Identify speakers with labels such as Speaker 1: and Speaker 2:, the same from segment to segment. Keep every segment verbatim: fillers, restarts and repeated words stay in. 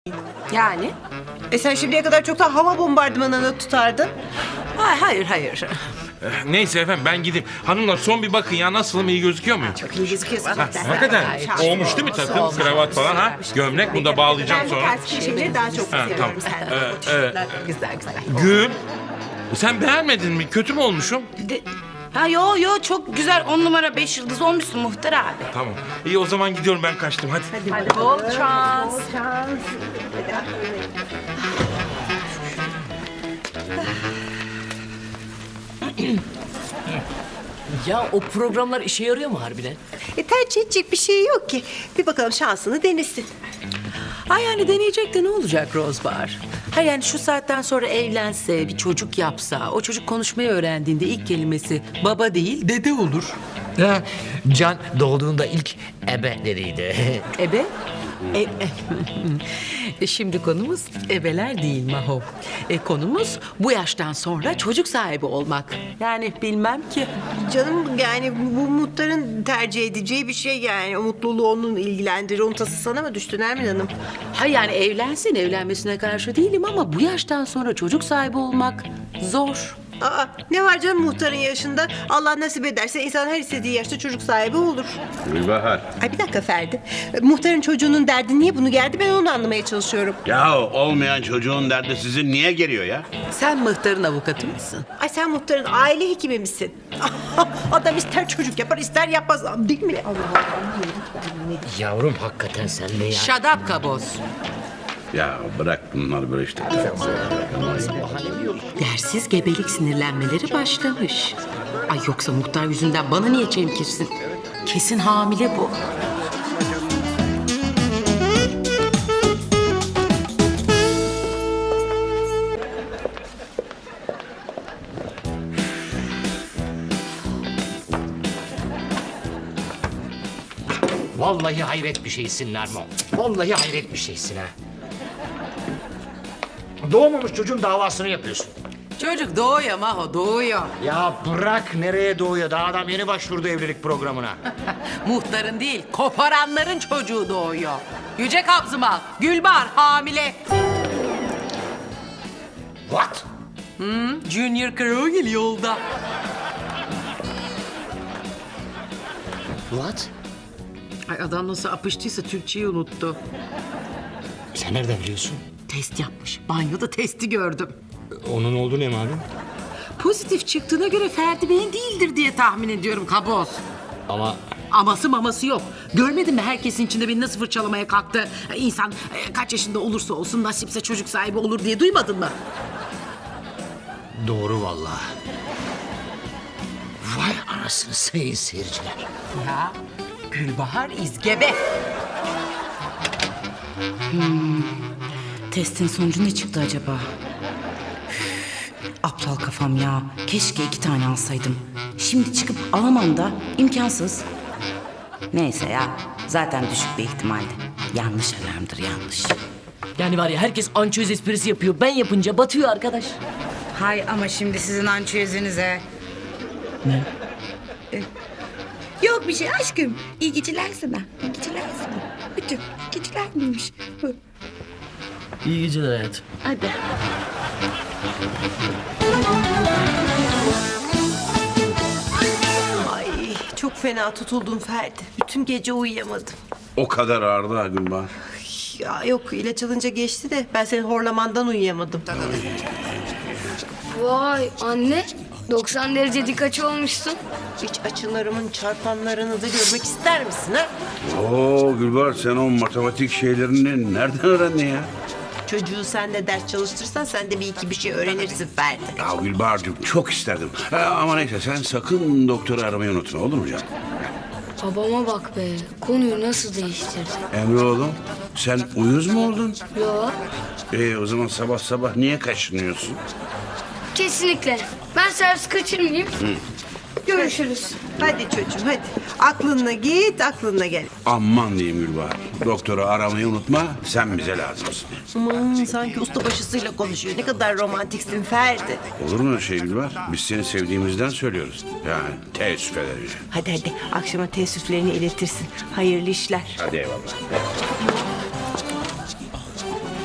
Speaker 1: Yani?
Speaker 2: E sen şimdiye kadar çoktan hava bombardımanını tutardın.
Speaker 1: Hayır, hayır, hayır.
Speaker 3: Neyse efendim ben gideyim. Hanımlar son bir bakın ya nasılım, iyi gözüküyor muyum?
Speaker 2: Çok iyi gözüküyorsun.
Speaker 3: Ha, hakikaten olmuş değil mi takım, kravat falan ha? Gömlek, bunu da bağlayacağım
Speaker 2: Ben bu
Speaker 3: sonra.
Speaker 2: tarz şeyleri daha çok
Speaker 3: Ha,
Speaker 2: seviyorum
Speaker 3: tamam.
Speaker 2: senden.
Speaker 3: Ee, e,
Speaker 1: Güzel, güzel.
Speaker 3: Gül, sen beğenmedin mi? Kötü mü olmuşum?
Speaker 4: De- ha yo yo çok güzel on numara beş yıldız olmuşsun Muhtar abi.
Speaker 3: Tamam. İyi o zaman gidiyorum, ben kaçtım hadi.
Speaker 1: Hadi bol şans.
Speaker 5: Ya o programlar işe yarıyor mu harbiden?
Speaker 2: E tercih edecek bir şey yok ki. Bir bakalım şansını denesin.
Speaker 1: Ha yani deneyecek de ne olacak Rozbar? Ha yani şu saatten sonra evlense, bir çocuk yapsa, o çocuk konuşmayı öğrendiğinde ilk kelimesi baba değil dede olur.
Speaker 5: Ha, Can doğduğunda ilk ebe dediydi.
Speaker 1: Ebe? E, e, E, Şimdi konumuz ebeler değil Maho. E, konumuz bu yaştan sonra çocuk sahibi olmak. Yani bilmem ki.
Speaker 2: Canım yani bu muhtarın tercih edeceği bir şey yani. O mutluluğu onun ilgilendirir. Onun tası sana mı düştü Nermin Hanım?
Speaker 1: Ha yani evlensin, evlenmesine karşı değilim ama bu yaştan sonra çocuk sahibi olmak zor.
Speaker 2: Aa, ne var canım muhtarın yaşında? Allah nasip ederse insan her istediği yaşta çocuk sahibi olur.
Speaker 6: Gülbahar.
Speaker 2: Ay bir dakika Ferdi. E, Muhtarın çocuğunun derdi niye bunu geldi ben onu anlamaya çalışıyorum.
Speaker 6: Ya olmayan çocuğun derdi sizin niye geliyor ya?
Speaker 1: Sen muhtarın avukatı mısın?
Speaker 2: Ay sen muhtarın aile hekimi misin? Adam ister çocuk yapar ister yapmaz. Değil mi? Allah Allah.
Speaker 5: Yavrum hakikaten sen de ya.
Speaker 1: Shut up kaboz.
Speaker 6: Ya bırak bunlar böyle işte.
Speaker 1: Dersiz gebelik sinirlenmeleri başlamış. Ay yoksa muhtar yüzünden bana niye çemkirsin? Kesin hamile bu.
Speaker 5: Vallahi hayret bir şeysin Nermo. Vallahi hayret bir şeysin ha. Doğmamış çocuğun davasını yapıyorsun.
Speaker 1: Çocuk doğuyor Maho doğuyor.
Speaker 5: Ya bırak nereye doğuyor? Daha adam yeni başvurdu evlilik programına.
Speaker 1: Muhtarın değil koparanların çocuğu doğuyor. Yüce Kabzımal, Gülbahar hamile.
Speaker 5: What?
Speaker 1: Junior Krogel yolda.
Speaker 5: What?
Speaker 1: Ay adam nasıl apıştıysa Türkçeyi unuttu.
Speaker 5: Sen nereden biliyorsun?
Speaker 1: Test yapmış. Banyoda testi gördüm.
Speaker 5: Onun oldu ne malum?
Speaker 1: Pozitif çıktığına göre Ferdi Bey'in değildir diye tahmin ediyorum kaboz.
Speaker 5: Ama
Speaker 1: Aması maması yok. Görmedin mi herkesin içinde beni nasıl fırçalamaya kalktı? İnsan e, kaç yaşında olursa olsun nasipse çocuk sahibi olur diye duymadın mı?
Speaker 5: doğru vallahi. Vay anasını sayın seyirciler.
Speaker 1: Ya Gülbahar izgebe.
Speaker 4: Hmm, Testin sonucu ne çıktı acaba? Üf, aptal kafam ya. Keşke iki tane alsaydım. Şimdi çıkıp alamam da imkansız. Neyse ya. Zaten düşük bir ihtimaldi. Yanlış alarmdır yanlış.
Speaker 5: Yani var ya herkes ançöz esprisi yapıyor. Ben yapınca batıyor arkadaş.
Speaker 4: Hay ama şimdi sizin ançüezinize. Ne? Yok bir şey aşkım. İyi geceler sana. İyi geceler sana. Bütün geceler miymiş?
Speaker 5: İyi geceler hayatım.
Speaker 4: Hadi.
Speaker 2: Ay çok fena tutuldum Ferdi. Bütün gece uyuyamadım.
Speaker 6: O kadar ağırdı ha Gülbahar.
Speaker 2: Ya yok ilaç alınca geçti de ben senin horlamandan uyuyamadım.
Speaker 7: Vay anne, doksan derece dik açı olmuşsun.
Speaker 2: Hiç açılarımın çarpanlarını da görmek ister misin ha?
Speaker 6: Oo Gülbahar sen o matematik şeylerini nereden öğrendin ya?
Speaker 2: Çocuğu sen de ders çalıştırsan sen de bir iki bir şey öğrenirsin Ferdi.
Speaker 6: Ya Gülbahar'cığım çok isterdim. Ha, ama neyse sen sakın doktoru aramayı unutma olur mu canım?
Speaker 7: Babama bak be, konuyu nasıl değiştirdi.
Speaker 6: Emre oğlum sen uyuz mu oldun?
Speaker 7: Yo,
Speaker 6: Ee, o zaman sabah sabah niye kaşınıyorsun?
Speaker 7: kesinlikle. Ben servis kaçırmayayım. Görüşürüz.
Speaker 2: Hadi çocuğum hadi. Aklınla git aklınla gel.
Speaker 6: Aman diyeyim Gülbahar. Doktoru aramayı unutma sen bize lazımsın.
Speaker 2: Aman sanki ustabaşısıyla konuşuyor. Ne kadar romantiksin Ferdi.
Speaker 6: Olur mu öyle şey Gülbahar? Biz seni sevdiğimizden söylüyoruz. Yani teessüf ederiz.
Speaker 2: Hadi hadi akşama teessüflerini iletirsin. Hayırlı işler.
Speaker 6: Hadi eyvallah.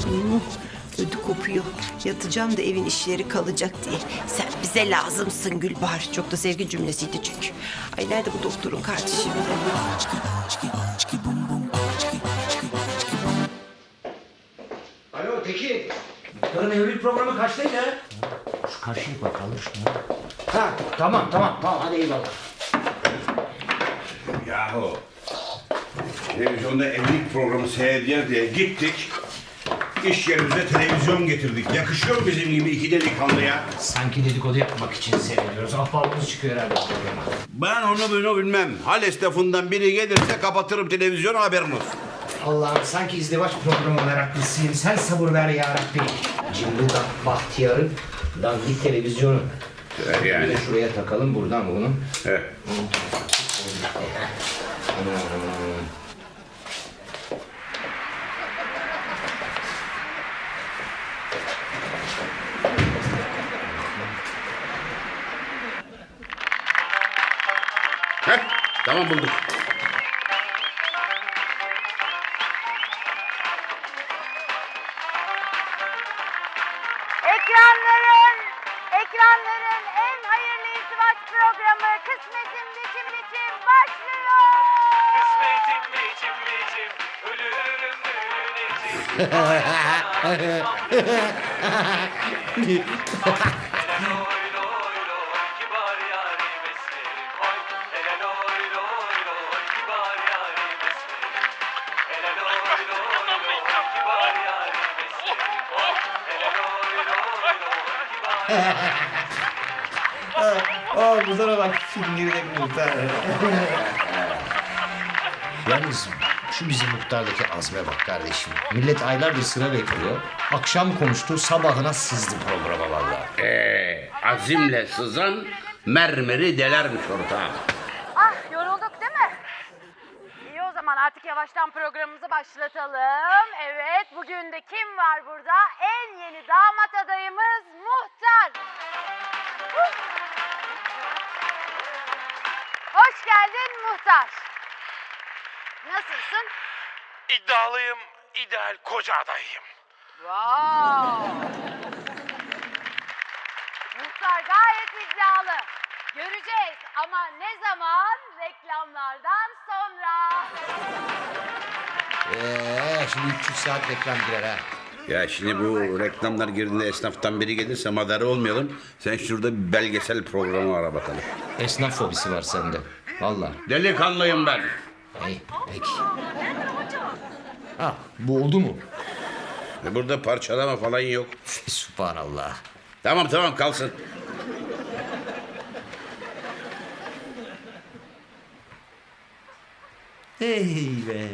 Speaker 2: Hmm, ödü kopuyor. Yatacağım da evin işleri kalacak diye. Sen bize lazımsın Gülbahar. Çok da sevgi cümlesiydi çünkü. Ay nerede bu doktorun kartı şimdi?
Speaker 5: Alo Tekin. Muhtarın evlilik programı kaçtaydı? Şu karşıya bakalım şuna. Ha tamam tamam tamam hadi eyvallah.
Speaker 6: Yahu. Televizyonda evlilik programı seyrediyor diye gittik. İş yerimize televizyon getirdik. Yakışıyor mu bizim gibi iki delikanlıya?
Speaker 5: Sanki dedikodu yapmak için seyrediyoruz. Ahbabımız çıkıyor herhalde programa.
Speaker 6: Ben onu bunu bilmem. Hal esnafından biri gelirse kapatırım televizyonu, haberin olsun.
Speaker 5: Allah'ım sanki izdivaç programı meraklısıyım. Sen sabır ver ya Rabbi. Cımbıldak Bahtiyar'ın dandik televizyonu.
Speaker 6: Evet,
Speaker 5: Bir
Speaker 6: yani.
Speaker 5: de şuraya takalım buradan bunu.
Speaker 6: Evet. Heh, tamam bulduk.
Speaker 8: Ekranların, ekranların en hayırlı izdivaç programı Kısmetim Biçim Biçim başlıyor.
Speaker 9: Kısmetim biçim biçim, ölürüm ölüneceğim. Loy loy loy, kibar yarim esmerim oy. Hele loy loy loy, kibar yarim esmerim. Hele loy loy loy, kibar yarim esmerim oy. Hele loy loy loy, kibar.
Speaker 5: Aa muhtara bak fingirde muhtar. Yalnız şu bizim muhtardaki azme bak kardeşim. Millet aylardır sıra bekliyor. Akşam konuştu sabahına sızdı programa vallahi.
Speaker 6: Ee, azimle sızan mermeri delermiş ortağım.
Speaker 8: Ah yorulduk değil mi? İyi o zaman artık yavaştan programımızı başlatalım. Evet bugün de kim var burada? En yeni damat adayımız Muhtar. Huh! Hoş geldin Muhtar. Nasılsın?
Speaker 3: İddialıyım, ideal koca adayım.
Speaker 8: Wow. Muhtar gayet iddialı. Göreceğiz ama ne zaman? Reklamlardan sonra.
Speaker 5: Eee şimdi üç yüz saat reklam girer ha.
Speaker 6: Ya şimdi bu reklamlar girdiğinde esnaftan biri gelirse madara olmayalım. Sen şurada bir belgesel programı ara bakalım.
Speaker 5: Esnaf fobisi var sende. Vallahi.
Speaker 6: Delikanlıyım ben.
Speaker 5: İyi peki. Ha bu oldu mu?
Speaker 6: E, Burada parçalama falan yok.
Speaker 5: Subhanallah.
Speaker 6: Tamam tamam kalsın.
Speaker 5: Hey be.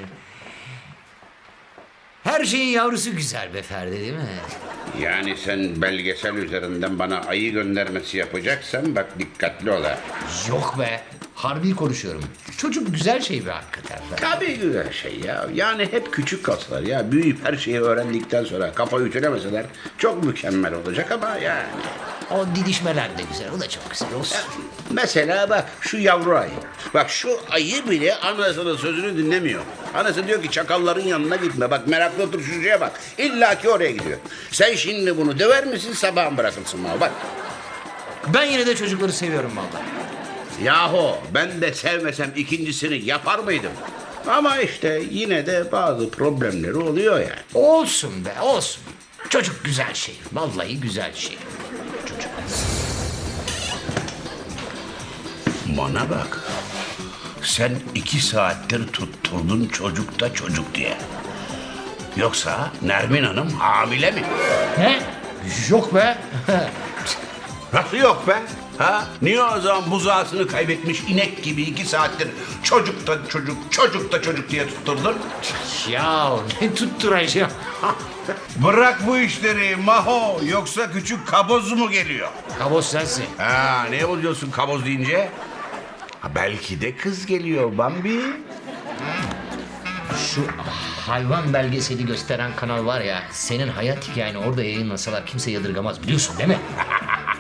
Speaker 5: Her şeyin yavrusu güzel be Ferdi değil mi?
Speaker 6: Yani sen belgesel üzerinden bana ayı göndermesi yapacaksan bak dikkatli ol ha.
Speaker 5: Yok be. Harbi konuşuyorum. Çocuk güzel şey be hakikaten.
Speaker 6: Tabii güzel şey ya. Yani hep küçük kaslar ya. Büyüyüp her şeyi öğrendikten sonra kafa ütülemeseler çok mükemmel olacak ama yani.
Speaker 5: O didişmeler de güzel. O da çok güzel olsun.
Speaker 6: Mesela bak şu yavru ayı. Bak şu ayı bile anasının sözünü dinlemiyor. Anası diyor ki çakalların yanına gitme. Bak meraklı otur şuraya bak. İlla ki oraya gidiyor. Sen şimdi bunu döver misin sabah mı bırakırsın bana bak.
Speaker 5: Ben yine de çocukları seviyorum vallahi.
Speaker 6: Yahu ben de sevmesem ikincisini yapar mıydım? Ama işte yine de bazı problemleri oluyor yani.
Speaker 5: Olsun be olsun. Çocuk güzel şey. Vallahi güzel şey. Çocuk.
Speaker 6: Bana bak. Sen iki saattir tutturdun çocukta çocuk diye. Yoksa Nermin Hanım hamile mi?
Speaker 5: He? Yok be.
Speaker 6: Nasıl yok be? Ha? Niye o zaman buzağısını kaybetmiş inek gibi iki saattir çocukta çocuk, çocukta çocuk diye tutturdun?
Speaker 5: Ya ne tutturacağım?
Speaker 6: Bırak bu işleri Maho, yoksa küçük kaboz mu geliyor?
Speaker 5: Kaboz sensin.
Speaker 6: Ha, ne oluyorsun kaboz deyince? Ha, belki de kız geliyor Bambi.
Speaker 5: Şu hayvan belgeseli gösteren kanal var ya, senin hayat hikayeni orada yayınlasalar kimse yadırgamaz biliyorsun değil mi?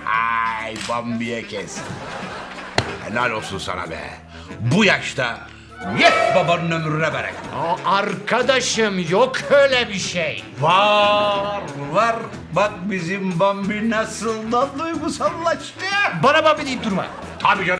Speaker 6: Ay Bambi'ye kes. Helal olsun sana be. Bu yaşta Yet babanın ömrüne bereket.
Speaker 5: Aa, arkadaşım yok öyle bir şey.
Speaker 6: Var, var. Bak bizim Bambi nasıl da duygusallaştı.
Speaker 5: Bana Bambi deyip durma.
Speaker 6: Tabii canım.